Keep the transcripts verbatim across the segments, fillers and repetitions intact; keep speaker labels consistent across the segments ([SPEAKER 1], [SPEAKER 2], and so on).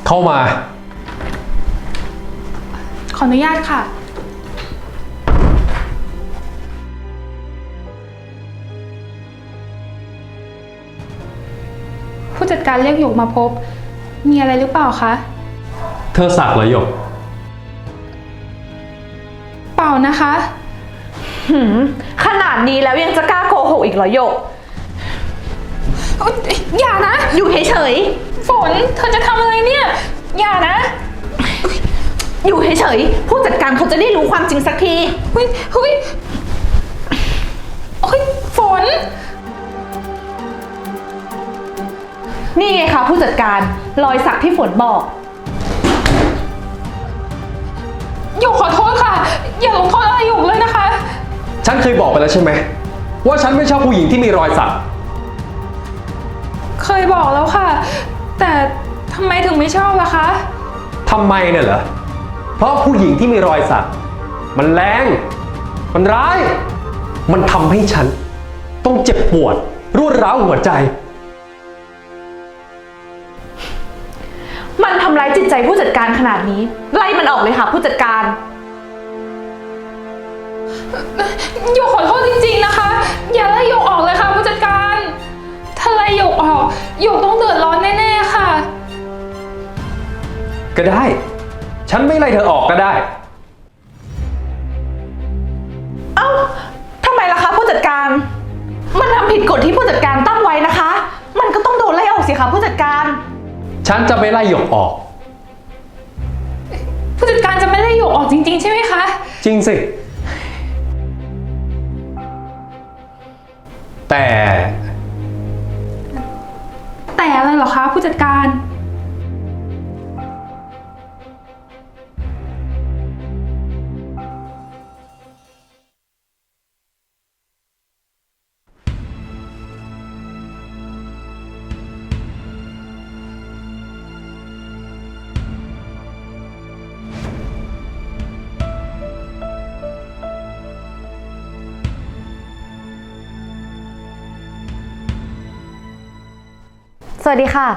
[SPEAKER 1] เข้ามา
[SPEAKER 2] ขออนุญาตค่ะผู้จัดการเรียกหยกมาพบมีอะไรหรือเปล่าคะ
[SPEAKER 1] เธอสักเหรอหยก
[SPEAKER 2] เปล่านะคะ
[SPEAKER 3] หืมขนาดนี้แล้วยังจะกล้าโกหกอีกเหรอหยก
[SPEAKER 2] อย่านะ
[SPEAKER 3] อยู่เฉย
[SPEAKER 2] ๆฝนเธอจะทำอะไรเนี่ยอย่านะ
[SPEAKER 3] อยู่เฉยๆผู้จัดการเขาจะได้รู้ความจริงสักที
[SPEAKER 2] เฮ้ยเฮ้ยโอ้ยฝน
[SPEAKER 3] นี่ไงคะผู้จัดการรอยสักที่ฝนบอก
[SPEAKER 2] หยกขอโทษค่ะอย่าลงโทษอะไรหยกเลยนะคะ
[SPEAKER 1] ฉันเคยบอกไปแล้วใช่ไหมว่าฉันไม่ชอบผู้หญิงที่มีรอยสัก
[SPEAKER 2] เคยบอกแล้วค่ะแต่ทำไมถึงไม่ชอบล่ะคะ
[SPEAKER 1] ทำไมเนี่ยเหรอเพราะผู้หญิงที่มีรอยสักมันแรงมันร้ายมันทำให้ฉันต้องเจ็บปวดรวดร้าวหัวใจ
[SPEAKER 3] มันทำร้ายจิตใจผู้จัดการขนาดนี้ไล่มันออกเลยค่ะผู้จัดการ
[SPEAKER 2] หยกขอโทษจริงๆนะคะอย่าไล่หยกออกเลยค่ะผู้จัดการถ้าไล่หยกออกหยกต้องเดือดร้อนแน่ๆค่ะ
[SPEAKER 1] ก็ได้ฉันไม่ไล่เธอออกก็ได้
[SPEAKER 3] เอ้าทำไมล่ะคะผู้จัดการมันทำผิดกฎที่ผู้จัดการตั้งไว้นะคะมันก็ต้องโดนไล่ออกสิคะผู้จัดการ
[SPEAKER 1] ฉันจะไม่ไล่หยกออก
[SPEAKER 2] ผู้จัดการจะไม่ไล่หยกออกจริงๆใช่ไหมคะ
[SPEAKER 1] จริงสิแต่
[SPEAKER 2] แต่อะไรเหรอคะผู้จัดการ
[SPEAKER 4] สวัสดีค่ะ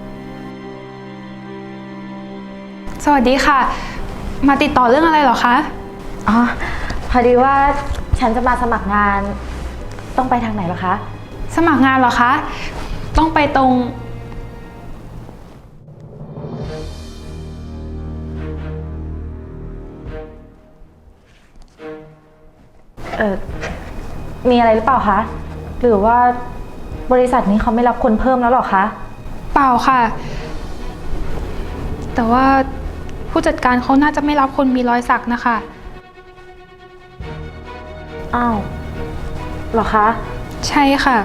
[SPEAKER 2] สวัสดีค่ะมาติดต่อเรื่องอะไรเหรอคะ
[SPEAKER 4] อ๋อพอดีว่าฉันจะมาสมัครงานต้องไปทางไหนเหรอคะ
[SPEAKER 2] สมัครงานเหรอคะต้องไปตรง
[SPEAKER 4] เออมีอะไรหรือเปล่าคะหรือว่าบริษัทนี้เขาไม่รับคนเพิ่มแล้วหรอคะ
[SPEAKER 2] เปล่าค่ะแต่ว่าผู้จัดการเขาน่าจะไม่รับคนมีรอยสักนะคะ
[SPEAKER 4] อ้าวเหรอคะ
[SPEAKER 2] ใช่ค่ะ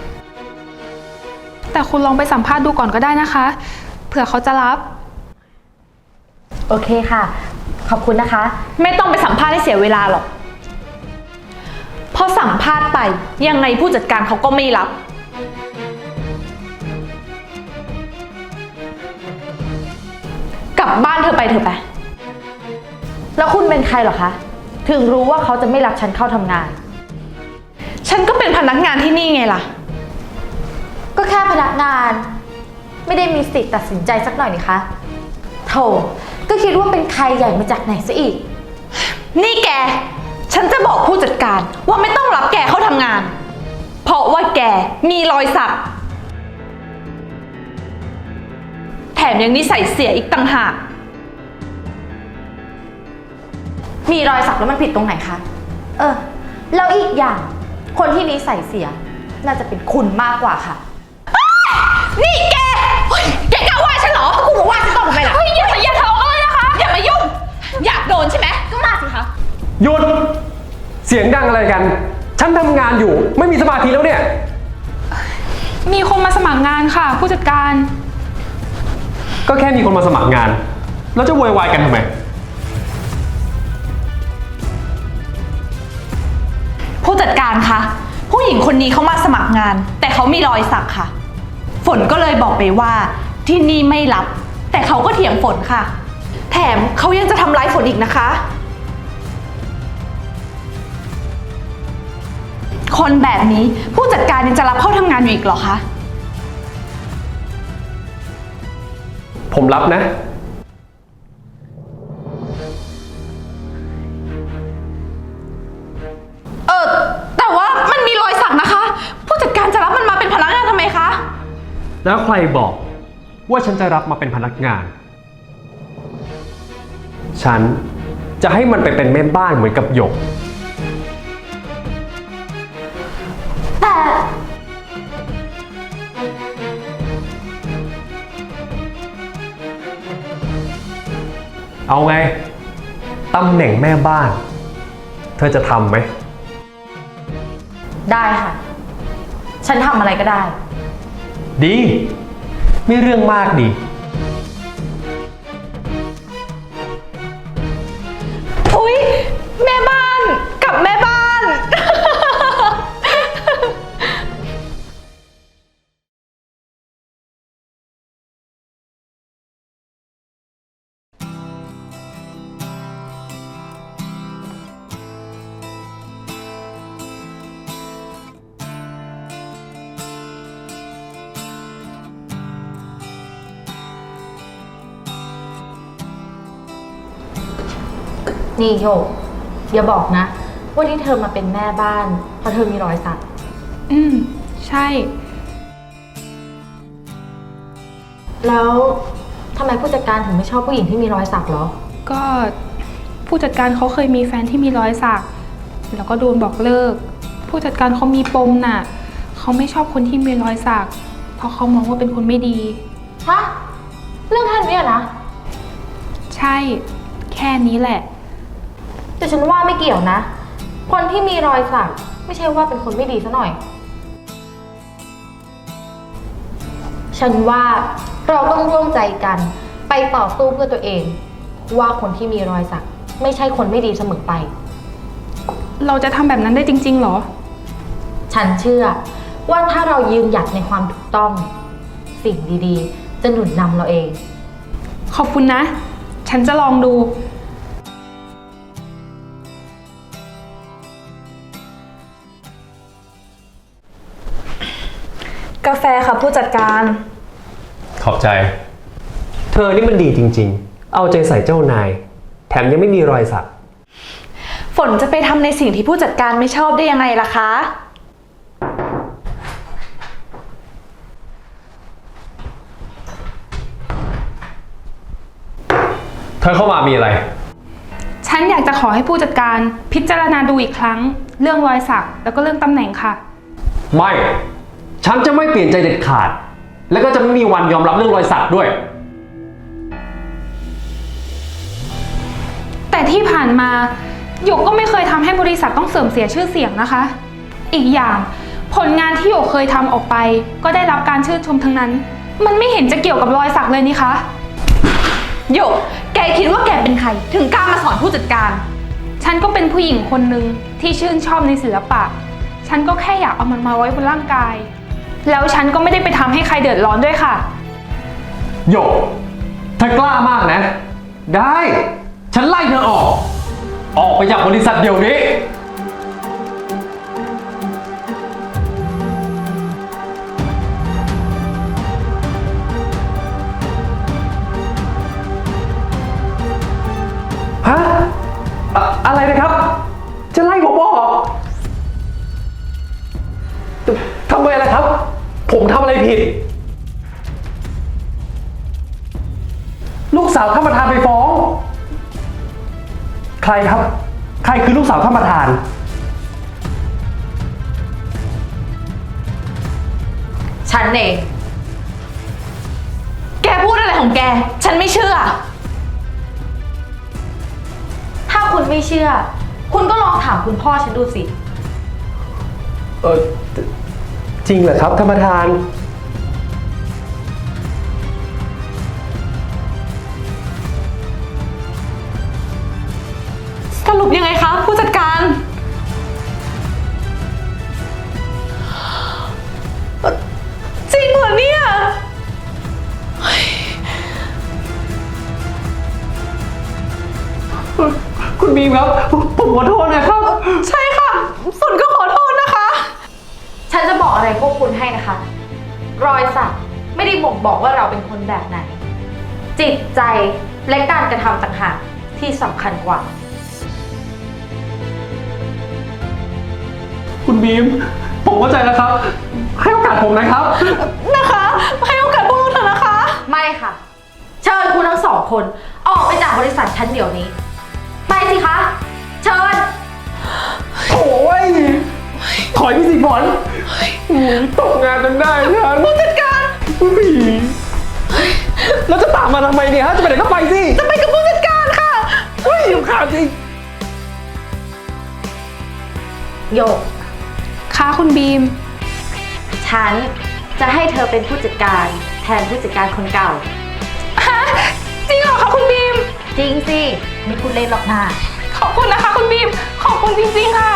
[SPEAKER 2] แต่คุณลองไปสัมภาษณ์ดูก่อนก็ได้นะคะเผื่อเขาจะรับ
[SPEAKER 4] โอเคค่ะขอบคุณนะคะ
[SPEAKER 3] ไม่ต้องไปสัมภาษณ์ให้เสียเวลาหรอกพอสัมภาษณ์ไปยังไงผู้จัดการเขาก็ไม่รับกลับบ้านเธอไปเถอะไป
[SPEAKER 4] แล้วคุณเป็นใครเหรอคะถึงรู้ว่าเขาจะไม่รับฉันเข้าทำงาน
[SPEAKER 3] ฉันก็เป็นพนักงานที่นี่ไงล่ะ
[SPEAKER 4] ก็แค่พนักงานไม่ได้มีสิทธิ์ตัดสินใจสักหน่อยนี่คะโธ่ก็คิดว่าเป็นใครใหญ่มาจากไหนซะอีก
[SPEAKER 3] นี่แกฉันจะบอกผู้จัดการว่าไม่ต้องรับแกเข้าทำงานเพราะว่าแกมีรอยสักแถมยังนิสัยเสียอีกต่างหาก
[SPEAKER 4] มีรอยสักแล้วมันผิดตรงไหนคะเออแล้วอีกอย่างคนที่นิสัยเสียน่าจะเป็นคุณมากกว่าค่ะ
[SPEAKER 3] นี่แกแกกล้าว่าฉันเหรอกูบอกว่าฉันต้องทำไมล่ะ
[SPEAKER 2] เฮ้ยอย่าอย่าทะเลาะกันเลยนะคะ
[SPEAKER 3] อย่ามายุ่งอยากโดนใช่ไหมก็มาสิคะ
[SPEAKER 1] หยุดเสียงดังอะไรกันฉันทำงานอยู่ไม่มีสมาธิแล้วเนี่ย
[SPEAKER 2] มีคนมาสมัครงานค่ะผู้จัดการ
[SPEAKER 1] ก็แค่มีคนมาสมัครงานแล้วจะโวยวายกันทำไม
[SPEAKER 3] ผู้จัดการคะผู้หญิงคนนี้เขามาสมัครงานแต่เขามีรอยสักค่ะฝนก็เลยบอกไปว่าที่นี่ไม่รับแต่เขาก็เถียงฝนค่ะแถมเขายังจะทำร้ายฝนอีกนะคะคนแบบนี้ผู้จัดการยังจะรับเข้าทำงานอยู่อีกเหรอคะ
[SPEAKER 1] ผมรับนะแล้วใครบอกว่าฉันจะรับมาเป็นพนักงาน ฉันจะให้มันไปเป็นแม่บ้านเหมือนกับหยก
[SPEAKER 4] แต่
[SPEAKER 1] เอาไง ตำแหน่งแม่บ้าน เธอจะทำไหม
[SPEAKER 4] ได้ค่ะ ฉันทำอะไรก็ได้
[SPEAKER 1] ดี ไม่เรื่องมากดี
[SPEAKER 3] อุ๊ย แม่บ้านกับแม่บ้าน
[SPEAKER 4] นี่โยกอย่าบอกนะว่าที่เธอมาเป็นแม่บ้านเพราะเธอมีรอยสัก
[SPEAKER 2] อืม ใช่
[SPEAKER 4] แล้วทำไมผู้จัดการถึงไม่ชอบผู้หญิงที่มีรอยสักเหรอ
[SPEAKER 2] ก็ผู้จัดการเขาเคยมีแฟนที่มีรอยสัก แล้วก็โดนบอกเลิก ผู้จัดการเขามีปมน่ะ เขาไม่ชอบคนที่มีรอยสัก เพราะเขามองว่าเป็นคนไม่ดี
[SPEAKER 4] ฮะ เรื่องแค่นี้อะนะ
[SPEAKER 2] ใช่ แค่นี้แหละ
[SPEAKER 4] แต่ฉันว่าไม่เกี่ยวนะ คนที่มีรอยสักไม่ใช่ว่าเป็นคนไม่ดีซะหน่อย ฉันว่าเราต้องร่วมใจกันไปต่อสู้เพื่อตัวเอง ว่าคนที่มีรอยสักไม่ใช่คนไม่ดีเสมอไป
[SPEAKER 2] เราจะทำแบบนั้นได้จริงๆเหรอ
[SPEAKER 4] ฉันเชื่อว่าถ้าเรายืนหยัดในความถูกต้อง สิ่งดีๆ จะหนุนนำเราเอง
[SPEAKER 2] ขอบคุณนะ ฉันจะลองดู
[SPEAKER 3] กาแฟค่ะผู้จัดการ
[SPEAKER 1] ขอบใจ เธอนี่มันดีจริงๆ เอาใจใส่เจ้านาย แถมยังไม่มีรอยสัก
[SPEAKER 3] ฝนจะไปทำในสิ่งที่ผู้จัดการไม่ชอบได้ยังไงล่ะคะ
[SPEAKER 1] เธอเข้ามามีอะไร
[SPEAKER 2] ฉันอยากจะขอให้ผู้จัดการพิจารณาดูอีกครั้ง เรื่องรอยสักแล้วก็เรื่องตำแหน่งค่ะ
[SPEAKER 1] ไม่ ฉันจะไม่เปลี่ยนใจเด็ดขาด แล้วก็จะไม่มีวันยอมรับเรื่องรอยสักด้วย
[SPEAKER 2] แต่ที่ผ่านมาหยกก็ไม่เคยทำให้บริษัทต้องเสื่อมเสียชื่อเสียงนะคะ อีกอย่างผลงานที่หยกเคยทำออกไป ก็ได้รับการชื่นชมทั้งนั้น มันไม่เห็นจะเกี่ยวกับรอยสักเลยนี่คะ
[SPEAKER 3] หยก แกคิดว่าแกเป็นใคร ถึงกล้ามาสอนผู้จัดการ
[SPEAKER 2] ฉันก็เป็นผู้หญิงคนหนึ่งที่ชื่นชอบในศิลปะ ฉันก็แค่อยากเอามันมาไว้บนร่างกาย แล้วฉันก็ไม่ได้ไปทำให้ใครเดือดร้อนด้วยค่ะ
[SPEAKER 1] โยกเธอกล้ามากนะ ได้ ฉันไล่เธอออก ออกไปจากบริษัทเดี๋ยวนี้ ฮะอะอะไรนะครับ จะไล่ผมออกทำไมล่ะครับ ผมทำอะไรผิด ลูกสาวท่านประธานไปฟ้อง ใครครับ ใครคือลูกสาวท่านประธาน
[SPEAKER 3] ฉันเอง แกพูดอะไรของแก ฉันไม่เชื่อ
[SPEAKER 4] ถ้าคุณไม่เชื่อ คุณก็ลองถามคุณพ่อฉันดูสิ
[SPEAKER 1] เออจริงเหรอครับท่านประธาน
[SPEAKER 3] สรุปยังไงคะผู้จัดการ จริงเหรอเนี่ย
[SPEAKER 1] คุณบีมครับ ผมขอโทษนะครับ
[SPEAKER 3] ใช่ค่ะ ฝนก็ขอโทษนะคะ
[SPEAKER 4] ฉันจะบอกอะไรพวกคุณให้นะคะ รอยสักไม่ได้บ่งบอกว่าเราเป็นคนแบบไหน จิตใจและการกระทำต่างหากที่สำคัญกว่า
[SPEAKER 1] คุณบีมผมเข้าใจแล้วครับ ให้โอกาสผมนะครับ
[SPEAKER 3] นะคะ ให้โอกาสพวกเราเถอะนะคะ
[SPEAKER 4] ไม่ค่ะ เชิญคุณทั้งสองคน ออกไปจากบริษัทฉันเดี๋ยวนี้ ไปสิคะ เชิญ
[SPEAKER 1] โอ้ย ถอยไปสิฝนตกงานจนได้ฉันผู้จัดการแล้วจะตามมาทำไมเนี่ยฮะ จะไปไหนก็ไปสิ
[SPEAKER 3] จะไปกับผู้จัดการค่ะ
[SPEAKER 1] เฮ้ยรำคาญจริง
[SPEAKER 4] โยก
[SPEAKER 2] ค่ะคุณบีม
[SPEAKER 4] ฉันจะให้เธอเป็นผู้จัดการแทนผู้จัดการคนเก่า
[SPEAKER 2] ฮะ จริงเหรอคะคุณบีม
[SPEAKER 4] จริงสิ ไม่พูดเล่นหรอกนะ
[SPEAKER 2] ขอบคุณนะคะคุณบีม ขอบคุณจริงๆค่ะ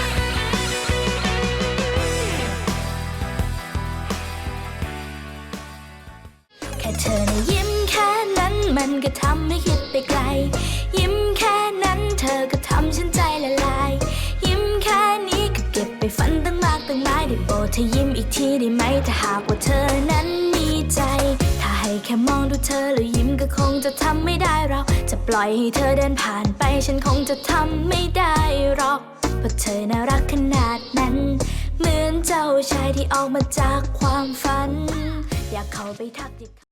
[SPEAKER 5] แค่เธอนะยิ้มแค่นั้นมันก็ทำให้คิดไปไกล ยิ้มแค่นั้นเธอก็ทำฉันใจละลาย ยิ้มแค่นี้ก็เก็บไปฝันตั้งมากตั้งหลายได้โปรดเธอยิ้มอีกทีได้ไหมถ้าหากว่าเธอนั้นมีใจ ถ้าให้แค่มองดูเธอแล้วยิ้มก็คงจะทำไม่ได้เราจะปล่อยให้เธอเดินผ่านไปฉันคงจะทำไม่ได้หรอกเพราะเธอน่ารักขนาดนั้น เหมือนเจ้าชายที่ออกมาจากความฝัน อยากเข้าไปทักทิ